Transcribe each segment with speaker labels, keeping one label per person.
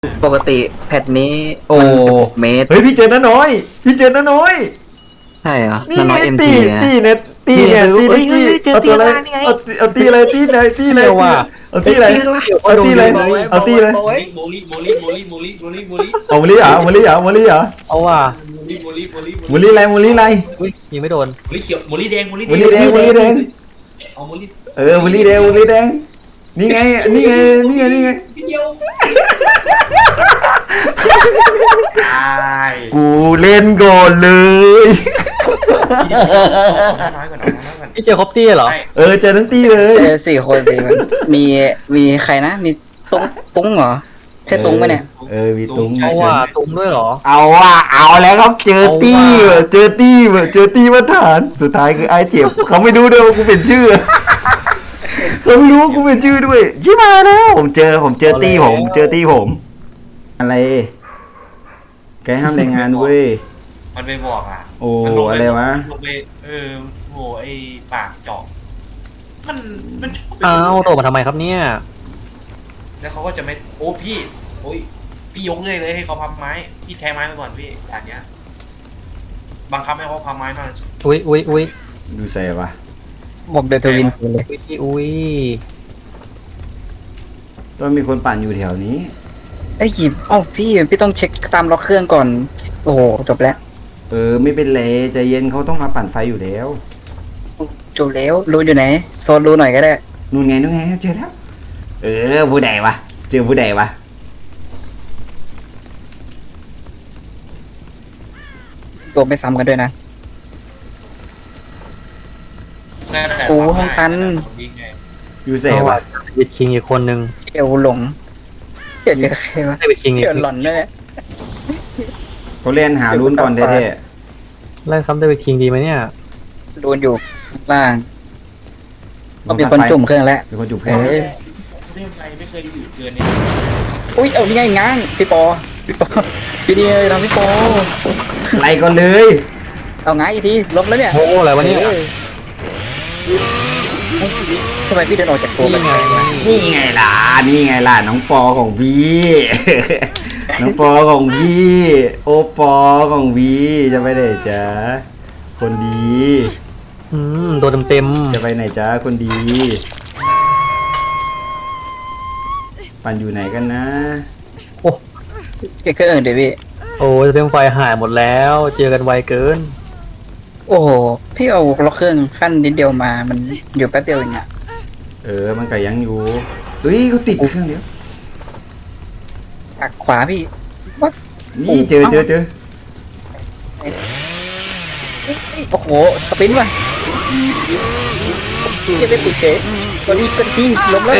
Speaker 1: ปกติแพทนี้
Speaker 2: โอ้
Speaker 1: มัน16 เมตร
Speaker 2: เฮ้ยพี่เจอน้าน้อยพี่เจอน้าน้อย
Speaker 1: ใช่เหรอ
Speaker 2: นี่
Speaker 1: น้
Speaker 2: ไง
Speaker 1: อยเอ็ม
Speaker 2: ตี
Speaker 1: ที
Speaker 2: ตีเนี่ยตีเนี่ยตี
Speaker 1: เฮ้ย
Speaker 2: ตี
Speaker 1: เจอ
Speaker 2: เอาตัวอะไร
Speaker 1: ตีข้างล่างนี่ไง
Speaker 2: เอาตีอะไรตีไหนตีไหน
Speaker 3: เดี๋ยวว่ะ
Speaker 2: เอาตีอะไรเอาตีอะไรเอาตีอะไร
Speaker 4: โมลิโมลิโมลิโมลิโมลิโมลิโมลิ
Speaker 2: เอาโมลี่เหรอโมลี่เหรอโมลี่เหรอ
Speaker 3: เอาว่ะ
Speaker 4: โมลิโมลิโมลิ
Speaker 2: โมลี่อะไรโมลี่อะไร
Speaker 3: อุ้ยยิงไม่โดน
Speaker 4: โมลิเขียวโมลิแดงโมลิ
Speaker 2: โมลี่แดงโมลี่แดง
Speaker 4: เอาโมลิ
Speaker 2: โมลี่แดงโมลี่แดงนี่ไงนี่ไงนี่ไงนี่ไง
Speaker 4: พี่เดียวตาย
Speaker 2: กูเล่นก่อนเลย
Speaker 4: น้อยกว่าน้อยกว่า
Speaker 3: พี่เจอครบตี้เหรอ
Speaker 2: เจอทั้งตีเลย
Speaker 1: เจอ4 คนสิมันมีใครนะมีตุ้งเหรอใช่ตุ้งไหมเนี่ย
Speaker 2: มีตุ้ง
Speaker 3: เอาว่ะตุ้มด้วยเหรอ
Speaker 2: เอาว่ะเอาแล้วครับเจอตี้
Speaker 3: เอาว่ะ
Speaker 2: เจอตี้เจอตี้มาฐานสุดท้ายคือไอ้เจ็บเขาไม่รู้ด้วยว่ากูเป็นชื่อเขาไม่รู้ว่ากูเป็นชื่อด้วยชิบหายแล้วผมเจอตี้ผมเจอตี้ผม อะไรแกห้ามรายงานเว้ย
Speaker 4: มันไปบอกอ่ะ
Speaker 2: โอ้อะไรวะ
Speaker 4: ลงไปโหไอปากเจาะมันชอบ
Speaker 3: อ้าวโดดมาทำไมครับเนี่ย
Speaker 4: แล้วเขาก็จะไม่โอ้พี่โอ้ยพี่ยกเลยให้เขาพับไม้ที่แทงไม้ไปก่อนพี่อย่างเนี้ยบังคับให้เขาพับไม้มา
Speaker 3: อุ้ย
Speaker 2: ดูใส่ปะ
Speaker 1: ผมเดนทวินเลย
Speaker 3: อุ้ย
Speaker 2: ต้องมีคนปั่นอยู่แถวนี้
Speaker 1: ไอ้ยหยิบพี่ต้องเช็คตามล็อกเครื่องก่อน โอ้โหจบแล้ว
Speaker 2: ไม่เป็นไรใจเย็นเขาต้องมาปั่นไฟอยู่แล้ว
Speaker 1: จบแล้วรูอยู่ไหนโซนรูหน่อยก็ได้
Speaker 2: นู่นไงเจอแล้วผู้ใดวะเจอผู้ใดวะ
Speaker 1: ตัวไม่ซ้ำกันด้วยนะ โอ้ห้องตัน
Speaker 2: อยู่ใส่
Speaker 3: เอา
Speaker 2: ปะ
Speaker 3: ว่ะเดวิดคิงอีกคนนึง
Speaker 1: เดี๋ยวหลงเดี๋ยวเจอใครวะ
Speaker 3: เดวิดคิงอีก
Speaker 1: เดี๋ยวหลอนด้วย
Speaker 2: เขาเล่นหารุ่นก่อนแท้
Speaker 3: ไล่ซ้ำเดวิดคิงดีไหมเนี่ย
Speaker 1: โดนอยู่ข้างล่าง
Speaker 2: ๆ
Speaker 1: ต้องมีคนจุ่มเครื่องแล้ว
Speaker 2: มีคนจุ่มเค
Speaker 1: เอ
Speaker 2: รื่อง
Speaker 1: อ
Speaker 4: เรื่องใจไม่เคยอยู่เกินนี้
Speaker 1: อุ้ยเอานี่ไงง้างพี่ปอพี่ดีเลยทำพี่ปอ
Speaker 2: ไล่ก่อนเลย
Speaker 1: เอาง้างอีกทีล้มแล้วเนี่ย
Speaker 3: โอ้อะไรวะเนี่ย
Speaker 1: ออทำไมพี่เดินออกจากตัว
Speaker 3: นี่ไง
Speaker 2: นี่ไงล่ะน้องปอของพี่ น้องปอของพี่โอปอของพี่จะไปไหนจ๊ะคนดี
Speaker 3: โดนเต็ม
Speaker 2: จะไปไหนจ๊ะคนดี ปั่นอยู่ไหนกันนะ
Speaker 3: โอ้
Speaker 1: เก็บเครื่องอื่นเดี๋ยวพี่
Speaker 3: โอ้เต็มไฟหายหมดแล้ว เจอกันไวเกิน
Speaker 1: โอ้โหพี่เอาล็อกเครื่องขั้นนิดเดียวมามันอยู่แป๊บเดียวเองอะ
Speaker 2: มันก็ยังอยู่เฮ้ยเขาติดเครื่องเดียว
Speaker 1: ปักขวาพี่วัด
Speaker 2: นี่เจอ
Speaker 1: โอ้โหสปินว่ะพี่จะไปปิดเฉยสวัสดีกันที่ล้มแล้ว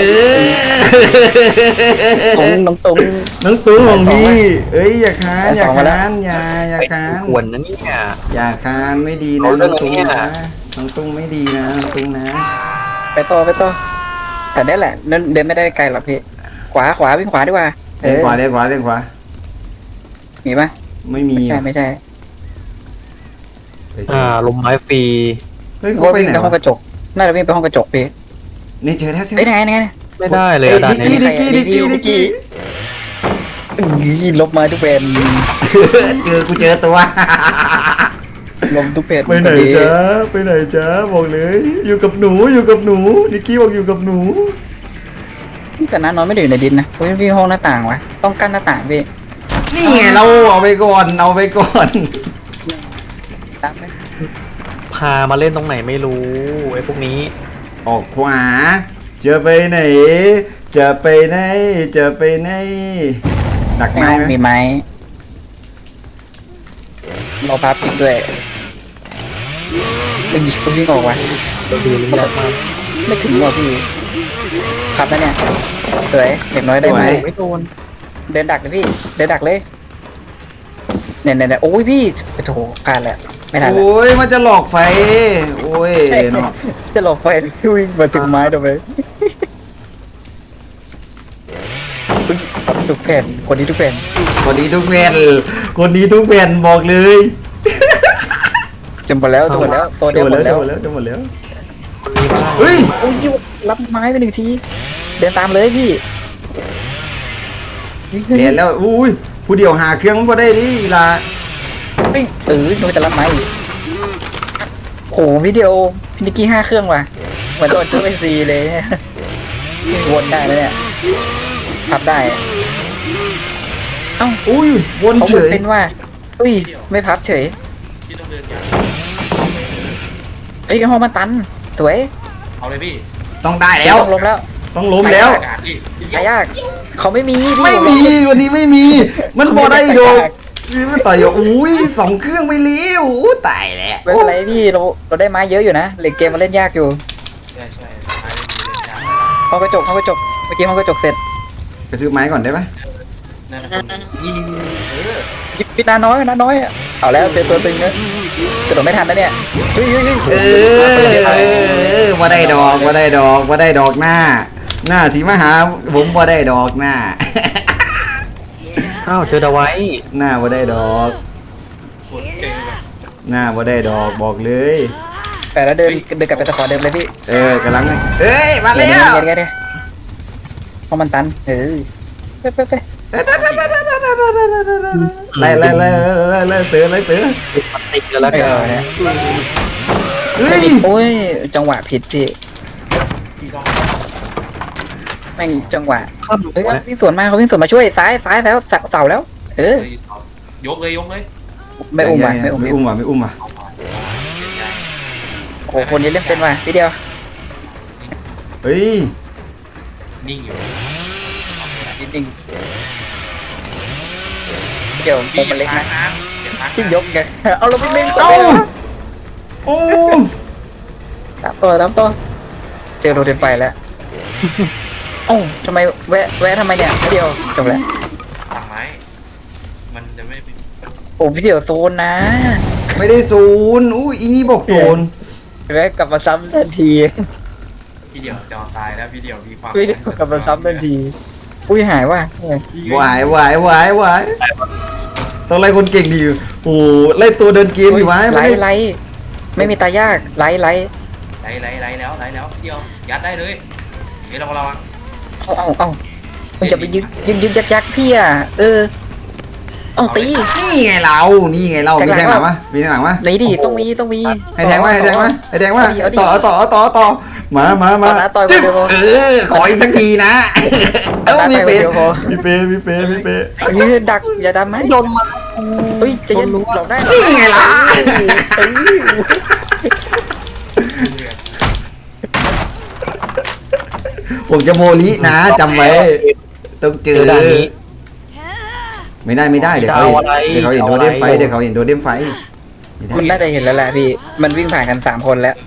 Speaker 1: น้องตรง
Speaker 2: น้องตุ้งของพี่อย่าค้านอย่าค้านอย่าค้าน
Speaker 3: ควรนะเนี่ย
Speaker 2: อย่าค้านไม่ดีนะ
Speaker 3: เอา
Speaker 2: น้
Speaker 3: เรื่
Speaker 2: อ
Speaker 3: อง ง
Speaker 2: ตุ้ง
Speaker 3: นี้
Speaker 2: นะ
Speaker 3: น่ะ
Speaker 2: น้องตุ้งไม่ดีนะน้องตุ้งนะ
Speaker 1: ไปต่อแต่ได้แหละเดินไม่ได้ไกลหรอกพี่ขวาวิ่งขวาดีกว่า
Speaker 2: เล่นขวาเล่นขวาเล่นขวา
Speaker 1: มีปะ
Speaker 2: ไม่มี
Speaker 1: ไม่ใช่
Speaker 2: ไปสิ
Speaker 3: ลมไม้ฟรี
Speaker 2: เฮ้ยเขา
Speaker 1: ว่า
Speaker 2: ไป
Speaker 1: วิ่ง
Speaker 2: ไหน
Speaker 1: ไปห้องก
Speaker 2: วะ
Speaker 1: ระจกน่าจะวิ่งไปห้องกระจกพี่
Speaker 2: นี่เจอแล้วเจอ
Speaker 1: เอ้ยไหน
Speaker 3: ไม่ได้เลย
Speaker 2: เอ้ย
Speaker 3: อะด่าน
Speaker 2: ดิ
Speaker 3: นี้
Speaker 2: ดิกี้
Speaker 1: ลบมาทุกเพน
Speaker 2: กูเจอตัว
Speaker 1: ลมทุกเพน
Speaker 2: ไปไหนจ๊ะบอกเลยอยู่กับหนูนิกกี้บอกอยู่กับหนู
Speaker 1: แต่น้านอนไม่ได้อยู่ในดินนะพี่ห้องหน้าต่างวะต้องกั้นหน้าต่างพี่
Speaker 2: นี่ไงเราเอาไปก่อน
Speaker 1: ตามไหม
Speaker 3: พามาเล่นตรงไหนไม่รู้ไอ้พวกนี้
Speaker 2: ออกขวาจะไปไหนดัก
Speaker 1: ใน
Speaker 2: ไม้
Speaker 1: ห้อง
Speaker 2: ไหม
Speaker 1: มีไม้เราพับจริงด้วยเป็นหยิบวิ่งออกวะ
Speaker 3: เราดูลิงก์มา
Speaker 1: ไม่ถึงว่ะพี่พับแล้วเนี่ยสวยเด็กน้อยได้ไหม
Speaker 3: ไม่โดน
Speaker 1: เดินดักเลยพี่เดินดักเลยเนี่ยโอ้ยพี่โอ้โหการแหละไม่ทันแล้ว
Speaker 2: โอ้ยมันจะหลอกไฟโอ้ย
Speaker 1: ใช่
Speaker 2: เนาะ
Speaker 1: จะหลบไฟพี่วิ่งมาถึงไม้ทำไมทุกแผ่นคนนี้ทุกแผ่น
Speaker 2: คนนี้ทุกแผ่นบอกเลย
Speaker 1: จำหมดแล้วตัวเดียวหมดแล้ว
Speaker 2: จะหมดแล้ว
Speaker 3: คนนี้บ้าง
Speaker 2: เฮ้ย
Speaker 1: โอ้ยรับไม้ไป1 ทีเดินตามเลยพี่
Speaker 2: เรียนแล้วอุ้ยผู้เดียวหาเครื่องมันบ่ได้ดิอีลา
Speaker 1: เฮ้ยโดนจะรับไม้อีกโอ้วิดีโอพินิกกี้5 เครื่องว่ะเหมือนโดนตัวไปซีเลยเนี่ยวนได้แล้วเนี่ยพับได้เอ้า
Speaker 2: อุ้ยวน
Speaker 1: เขา
Speaker 2: เฉย
Speaker 1: เป็นว่าอุ้ยไม่พับเฉย
Speaker 4: พี่ต้องเดินอย่าง
Speaker 1: เอ้ยห้องมันตันสวย
Speaker 4: เอาเลยพี่
Speaker 2: ต้องได้แล้ว
Speaker 1: ต้องลงแล้ว
Speaker 2: ต้องล้มแล้ว
Speaker 4: อากาศพี่
Speaker 1: หายากเขาไม่มีพี่
Speaker 2: ไม่มีวันนี้ไม่มี มันบ่ได้โดนนี่มันต่อยอยู่อุ้ย2 เครื่องไปเลี้ยวอู้ตายแล้ว
Speaker 1: ไม่เป็นไรพี่เราได้ไม้เยอะอยู่นะเหล็กเกมมันเล่นยากอยู่
Speaker 4: ใช่ใช่ไม่ได้มีเลยจ้า
Speaker 1: ห้องกระจกเมื่อกี้ห้องกระจกเสร็จ
Speaker 2: กระทืบไม้ก่อนได้ไหม
Speaker 4: นั่นนะนี่
Speaker 1: พิษน้อยอะเอาแล้วเจอตัวตึงแล้วกระโดดไม่ทันแล้วเนี่ยเฮ้ย
Speaker 2: ว่าได้ดอกว่าได้ดอกว่าได้ดอกหน้า หน้าสีมาหาผมว่าได้ดอกหน้า
Speaker 3: อ้าวเจอดาไว้
Speaker 2: หน้าว่าได้ดอก
Speaker 4: ปวดเจงแบบ
Speaker 2: หน้าว่าได้ดอกบอกเลย
Speaker 1: แต่แล้วเดินกลับไปตะขอเดิมเลยพี่
Speaker 2: กำลังเอ้ยมาแล้ว
Speaker 1: เดี๋ยวห้องมันตันไป
Speaker 2: ไล่เตือน
Speaker 3: มันติดกันแล้วกัน
Speaker 1: เนี่ย
Speaker 2: เฮ้ย
Speaker 1: โอ้ยจังหวะผิดพี่
Speaker 4: พี่ต้อง
Speaker 1: แม่งจังหวะ
Speaker 3: ข้าม
Speaker 1: เฮ้ยวิ่งสวนมาเขาวิ่งสวนมาช่วยซ้ายแล้วเสาแล้ว
Speaker 4: ยกเลย
Speaker 1: ไม่อุ้มว่ะ
Speaker 2: ไม่อุ้มว่ะ
Speaker 4: เอาไปเสียใจ
Speaker 1: โอ้คนนี้เล่นเป็นว่ะทีเดียว
Speaker 2: เฮ้ย
Speaker 4: นิ่งอยู่
Speaker 1: จริงเดี๋ยวโมมันเล็กนะที่ยกไงเอาเราไม่เล่น
Speaker 2: เอ้าโอ้
Speaker 1: ตามตัวเจอโรเดนไฟแล้วโอ้ทำไมแวะทำไมเนี่ยเดียวจบแล้ว
Speaker 4: ทำไมมันจะไม่เป็น
Speaker 1: โอ้พี่เดียวโซนนะ
Speaker 2: ไม่ได้ศูนย์อุ้ยอีนี่บอกศูนย์
Speaker 1: แวะกลับมาซ้ำทันที
Speaker 4: พี่เดี่ยวจะตายแล้วพี่เดี่ยวมีความ
Speaker 1: ไม่ได้กลับมาซ้ำทันทีอุ้ยหายว่ะ
Speaker 2: หวายต้องไล่คนเก่งดีอยู่โอ้ไล่ตัวเดินเกมอยู่วะ
Speaker 1: ไล่ไม่มีตายากไล่
Speaker 4: ไหลแล้วพี่เดี่ยวยัดได้เลยเฮ้ยเรา
Speaker 1: เอามันจะไปยึกยักพี่อ่ะเอาตี
Speaker 2: นี่ไงเรามีแทงหลังวะ
Speaker 1: ไหนดิต้องมี
Speaker 2: ให้แทงมาต่อมาจึ๊บขออีกสักทีนะมีเฟ
Speaker 1: ดักอย่าดำไหม
Speaker 3: โดนมา
Speaker 1: เฮ้ยจะยันหลอกได้
Speaker 2: นี่ไงล่ะผมจะโมลินะจำไว้ต้องเจอ
Speaker 3: ด่านนี้
Speaker 2: ไม่ได้เดี๋ยวเขาเห็นโดเดมไฟ
Speaker 1: คุณน่าจะเห็นแล้วแหละพี่มันวิ่งผ่านกัน3 คนแล้ว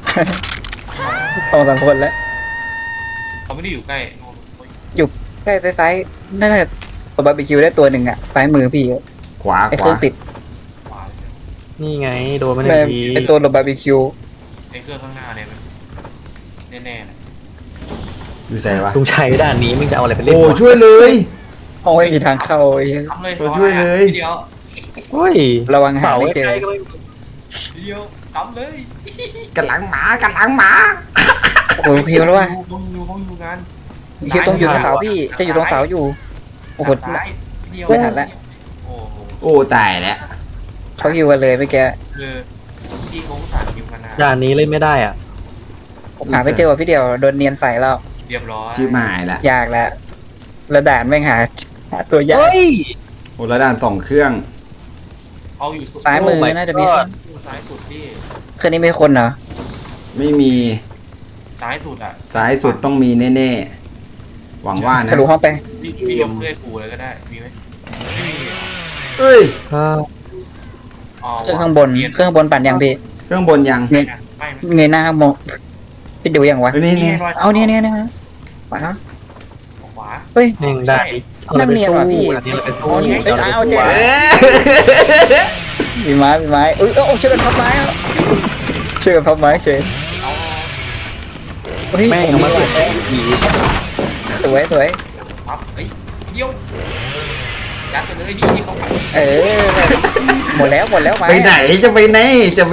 Speaker 1: 2-3 คนแล้ว
Speaker 4: เขาไม่ได้อยู่ใกล้
Speaker 1: ใกล้ซ้ายน่าจะตัวบาร์บีคิวได้ตัวหนึ่งอ่ะซ้ายมือพี่
Speaker 2: ขวา
Speaker 1: ไอ้เครื่องติด
Speaker 4: ขวา
Speaker 3: นี่ไงโดนมันที
Speaker 1: ไอ้ตัวบาร์บีคิว
Speaker 4: ไอ้เครื่องข้างหน้าเนี่ยแน่ๆเลย
Speaker 2: อยู่ใส่วะ
Speaker 3: ลุงชัยด่านนี้มึงจะเอาอะไรไปเล่น
Speaker 2: โอ้ช่วยเลย
Speaker 1: โอ้ยมีทางเข้าไอ้
Speaker 4: ทำเลย
Speaker 2: ช่วยเลย
Speaker 4: พี่เดี่ยว
Speaker 3: เฮ้ย
Speaker 1: ระวังหา
Speaker 3: เสา
Speaker 1: ไม่เจ
Speaker 3: ใก
Speaker 1: อ
Speaker 3: ล้ๆก็ไม่
Speaker 4: พี่เดี่ยวซ้ำเลย
Speaker 2: กันหลังหมา
Speaker 1: โอ้ยพิวแล้วว่ะ
Speaker 4: ต้องอยู่งาน
Speaker 1: คิวต้องอยู่ตรงเสาพี่จะอยู่ตรงเสาอยู่โอ้โห
Speaker 4: ซ้ายพี่เดี่ยว
Speaker 1: ไม่ทันละ
Speaker 4: โอ้โห
Speaker 2: โอ้ตายแล้ว
Speaker 1: เขาฮิวกันเลยเมื่อกี้
Speaker 4: คือพี่คงสารอยู่กันนะ
Speaker 3: ด่านนี้เล่นไม่ได้อ่ะ
Speaker 1: ผมหาไม่เจอว่ะพี่เดียวโดนเนียนใส่แล้ว
Speaker 4: เรียบร้อย
Speaker 2: ชิบหายละ
Speaker 1: ยากแล้วแล้วด่านแม่งหาตัวยาก
Speaker 3: เฮ้ย
Speaker 2: โอ้ระดาน2 เครื่อง
Speaker 4: เอาอยู่สุด
Speaker 1: ซ้ายมือน่าจะมี
Speaker 4: ซ้ายสุดพี่
Speaker 1: เครื่องนี้ไม่คนเหรอ
Speaker 2: ไม่มี
Speaker 4: ซ้ายสุดอ่ะ
Speaker 2: ซ้ายสุดต้องมีแน่ๆหวังว่านะ
Speaker 1: ทะลุห้องไป
Speaker 4: พี่ยกเลื่อยขู่เลยก็ได้มีไหมไม่มีเหรอ
Speaker 2: เฮ้ย
Speaker 4: อ๋อ
Speaker 1: เครื่องข้างบนปั่นยังพี่
Speaker 2: เครื่องบนยัง
Speaker 4: ไม่ไม่
Speaker 1: เงยหน้ามองพี่ดูยังวะ
Speaker 2: นี่
Speaker 1: เอาเนี่ยขวา
Speaker 4: ขวา
Speaker 1: เฮ้ย
Speaker 3: แม่งได้เอาอะไรไปสู้ด่านนี้เราไปสู้
Speaker 1: เอาเจ๊
Speaker 2: เอ้ย
Speaker 1: มีไม้เอ้ยโอ้ช่วยกันพับไม้อ่ะช่วยกันพับไม้เฉย
Speaker 4: เอา
Speaker 1: เฮ้ย
Speaker 3: แม่งเอามาเสียแม่งผี
Speaker 1: สวย
Speaker 4: ปั๊บเฮ้ยเดียวยัดไปเลยดิเขาปัด
Speaker 1: หมดแล้วไม้
Speaker 2: ไปไหนจะไปไหน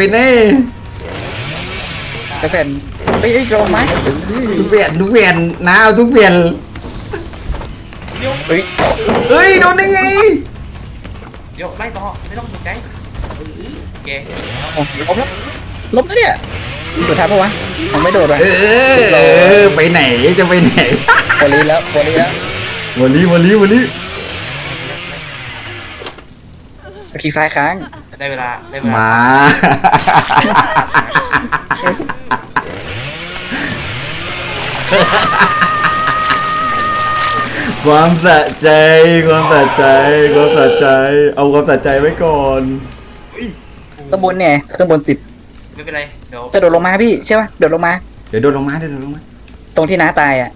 Speaker 1: ไปแผ่นเฮ้ยโดนไม้
Speaker 2: ทุกเวียนนะเอาทุกเวียน
Speaker 4: เดี๋ยว
Speaker 1: เฮ้ย
Speaker 2: เฮ้ยโดนได้ไง
Speaker 4: เดี๋ยวไล่ต่อไม่ต้องสนใจแกฉีกแล้ว
Speaker 1: โอ้ล้มแล้วล้มแล้วเนี่ยโดดทันปะวะมันไม่โดดว่ะ
Speaker 2: ไปไหนจะไปไหน
Speaker 1: โบลีแล้วโบลีแล้ว
Speaker 2: วันนี้
Speaker 1: คลิกซ้ายค้าง
Speaker 4: ได้เวลา
Speaker 2: มา ความสะใจเอาความสะใจไว้ก่อน
Speaker 1: ข้างบนเนี่ยข้างบนติด
Speaker 4: ไม่เป็นไรเดี๋ยว
Speaker 1: จะโดดลงมาพี่ใช่ป่ะโดดลงมา
Speaker 2: เดี๋ยวโดนลงมา
Speaker 1: ตรงที่น้าตายอ่ะ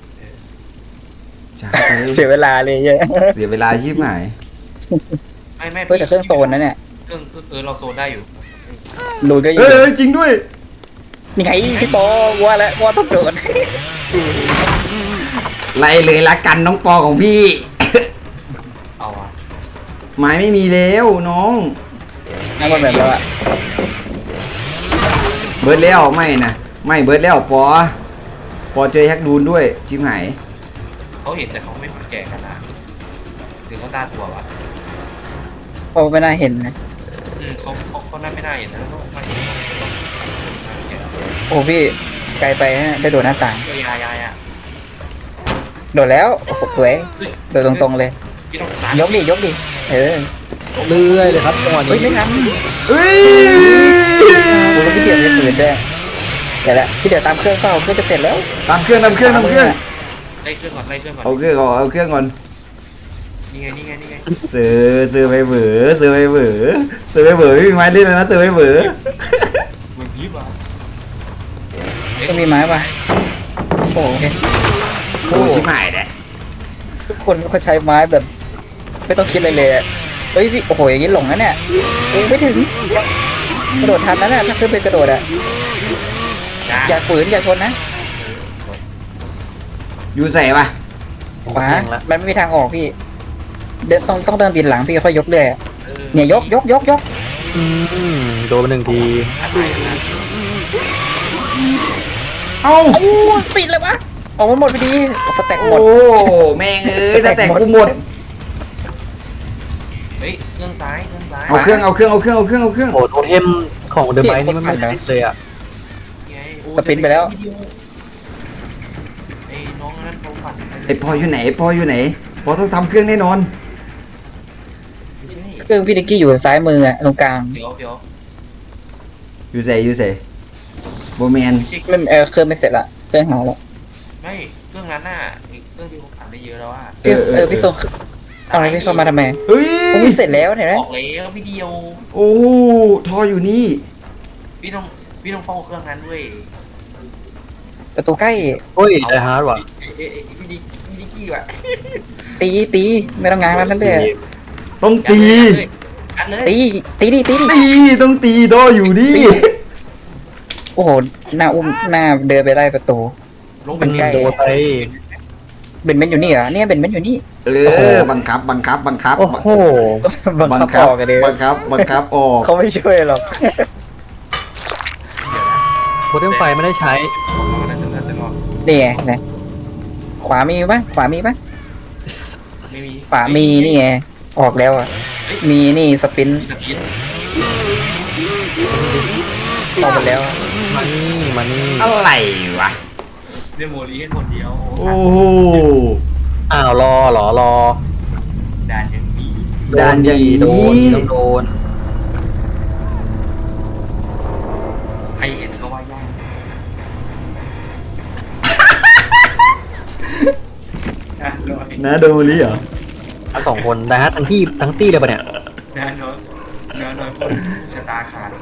Speaker 2: จ้า
Speaker 1: เสียเวลาเลยเยอะ
Speaker 2: เสียเวลาชีพหาย
Speaker 4: ไม่
Speaker 1: เฮ้ยแต่เครื่องโซนนะเนี่ย
Speaker 4: เครื่องเราโซนได้อยู่
Speaker 1: รูนก็อยู่
Speaker 2: เอ้ยจริงด้วย
Speaker 1: นี่ไงพี่ปอว่าแล้วว่าต้องโดด
Speaker 2: ไล่เลยละกันน้องปอของพี่
Speaker 4: เอาอะ
Speaker 2: ไม้ไม่มีแล้วน้อง
Speaker 1: นั่นมันแบบแล้วอ่ะ
Speaker 2: เบิร์ดแล้วไม่เบิร์ดแล้วปอเจอแฮกดูนด้วยชิมหาย
Speaker 4: เขาเห็นแต่เขาไม่แก่กันนะหรือเขาตาถั่ววะ
Speaker 1: พอไม่น่าเห็นนะ
Speaker 4: เขาน่าไม่น่าเห็นนะเขาไม่เห็นต้องแก่
Speaker 1: โอ้พี่ไกลไปฮะได้โดดหน้าต่าง
Speaker 4: ยายอะ
Speaker 1: โดดแล้วโอ้โหสวยโดดตรงๆเลย
Speaker 4: พี่ต้องตาม
Speaker 1: ยกดิเออ
Speaker 3: เรื่อยเลยครับจังหวะ
Speaker 1: เฮ้ย
Speaker 3: นี้
Speaker 1: ไม่ทัน
Speaker 2: เฮ้ย
Speaker 1: โอ้แล้วพี่เดี่ยวจะปืนด้วยเดี๋ยวละพี่เดี่ยวตามเครื่องเฝ้าเครื่องจะเสร็จแล้ว
Speaker 2: ตามเครื่อง
Speaker 4: ไล่เครื่องก่อนไล่เครื่องก่อน
Speaker 2: เอาเครื่องก่อน
Speaker 4: นี่ไง
Speaker 2: ซื้อไปเบื่อไม่มีไม้เล่นแล้วนะซื้อไปเบื่อ
Speaker 4: มันยิบอ่ะ
Speaker 1: ก็มีไม้ป่ะโอ้โอเค
Speaker 2: โอ้ชิมหายแหละ
Speaker 1: ทุกคนเขาใช้ไม้แบบ ไม่ต้องคิดอะไรเลยอะเฮ้ยพี่โอ้โหอย่างนี้หลงนะเนี่ยเองไม่ถึงกระโดดทันนะเนี่ยถ้าขึ้นไปกระโดดอะอย่าฝืนอย่าชนนะ
Speaker 2: อยู่ใส่ปะ
Speaker 1: ขวามันไม่มีทางออกพี่เดินต้องเดินตีนหลังพี่ค่อยยกเรื่อยอะเนี่ยยก
Speaker 3: อืมโดนไปหนึ่งที
Speaker 2: เอ้า
Speaker 1: โอ้ติดเลยวะออกมันหมดพอดีสแต็กหม
Speaker 2: โอ้
Speaker 1: ด
Speaker 2: แม่งเอ้ยแต่กูหมด
Speaker 4: เฮ้ยเครื่องซ้าย
Speaker 2: เอาเครื่อง
Speaker 3: โอ้โทเทมของเดอะไบนี่มันไม่ติดเลยอ่ะ
Speaker 1: สปินไปแล้ว
Speaker 4: ไอ้น้องนั้นเขาปั่น
Speaker 2: ไอปออยู่ไหนปอต้องทำเครื่องแน่นอน
Speaker 4: ไม่ใช่
Speaker 1: เครื่องพี่นิกกี้อยู่ซ้ายมืออะตรงกลาง
Speaker 4: เดี๋ยว
Speaker 2: อยู่ใส่โบแมน
Speaker 4: ไม่ใช่
Speaker 1: ไม่เครื่องไม่เสร็จละเครื่องหายแล้ว
Speaker 4: ไม่เครื่องนั้นน่ะอีกเครื่องที่ผมปั่นได้เยอะแล้วอ่ะ
Speaker 1: พี่ส่งเอาอะไรพี่เข้ามาทำไม
Speaker 2: เฮ้ย
Speaker 1: ผมมีเสร็จแล้วเห็นไหม
Speaker 4: ออกแล้วพี่เดียว
Speaker 2: โอ้ทออยู่นี่
Speaker 4: พี่ต้องเฝ้าเครื่องนั้นด้วย
Speaker 1: ประตูใกล้
Speaker 3: โอ้ยไดฮาร์ดว่ะ
Speaker 4: พี่ดิกี้ว่ะ
Speaker 1: ตีไม่ต้องง้างแล้วนั่นเลย
Speaker 2: ต้องตี
Speaker 4: อัดเลย
Speaker 1: ตีดิ
Speaker 2: ต้องตีดออยู่ดิ
Speaker 1: โอ้โหหน้าอุ้มหน้าเดินไปได้ประตู
Speaker 4: ลง
Speaker 1: เป็
Speaker 4: เป็น น
Speaker 1: ใกล้
Speaker 3: โดนไป
Speaker 1: เบนอยู่นี่เหรอเนี่ยเบนอยู่นี่
Speaker 2: บังคับ
Speaker 3: โอ้โห
Speaker 1: บังคับออกกันเลย
Speaker 2: บังคับออก
Speaker 1: เขาไม่ช่วยหรอก
Speaker 3: โทเทมไฟไม่ได้ใช้
Speaker 4: น่าจะรอด
Speaker 1: นี่ไงนะขวามีปะ
Speaker 4: ไม่มี
Speaker 1: ขวามีนี่ไงออกแล้วอ่ะมีนี่สปิน
Speaker 4: มีสกิน
Speaker 1: ออกหมดแล้ว
Speaker 3: มานี่
Speaker 2: อะไรวะ
Speaker 4: เดโมลีให้คนเดียว
Speaker 2: โอ้โห
Speaker 3: อ้าวรอเหรอ
Speaker 4: ด่านอย่างนี้
Speaker 2: ด่านอย่างนี้
Speaker 3: โดนต้องโดน
Speaker 4: ใครเห็นก็ว่ายากรอ
Speaker 2: นะโดนลิเหรอ
Speaker 3: ทั้งสองคนไดฮาร์ดทั้งตี้เลยปะเนี่ย
Speaker 4: น้อยคนชะตาขาด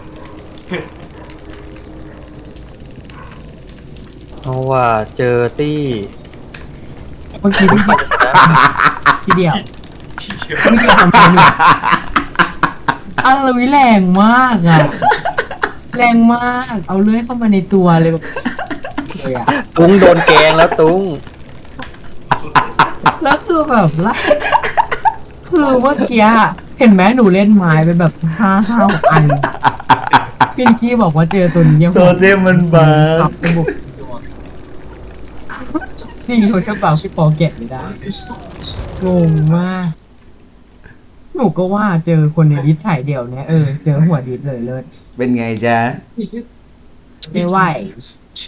Speaker 3: เพราะว่าเจอตี้
Speaker 5: เมื่อกี้พี่
Speaker 3: มันจะชนะ
Speaker 5: ทีเดียว
Speaker 4: พี่เชียว
Speaker 5: ไม่เกี่ยวกับคนอื่นอะไรวิแรงมากอ่ะแรงมากเอาเลื่อยเข้ามาในตัวเลยแบบเลยอ่ะ
Speaker 3: ตุ้งโดนแกงแล้วตุ้ง
Speaker 5: แล้วคือแบบละคือเมื่อกี้อะเห็นไหมหนูเล่นไม้เป็นแบบห้าอันพี่นิกกี้บอกว่าเจอตัวนี้ยัง
Speaker 2: โทเทมมันบา
Speaker 5: ขับไปบุกจริงคนกระเป๋าพี่ปอแกะไม่ได้งงมากหนูก็ว่าเจอคนในดิสถ่ายเดี่ยวเนี่ยเจอหัวดิสเลยเลิศ
Speaker 2: เป็นไงจ๊ะ
Speaker 5: ไม่ไหว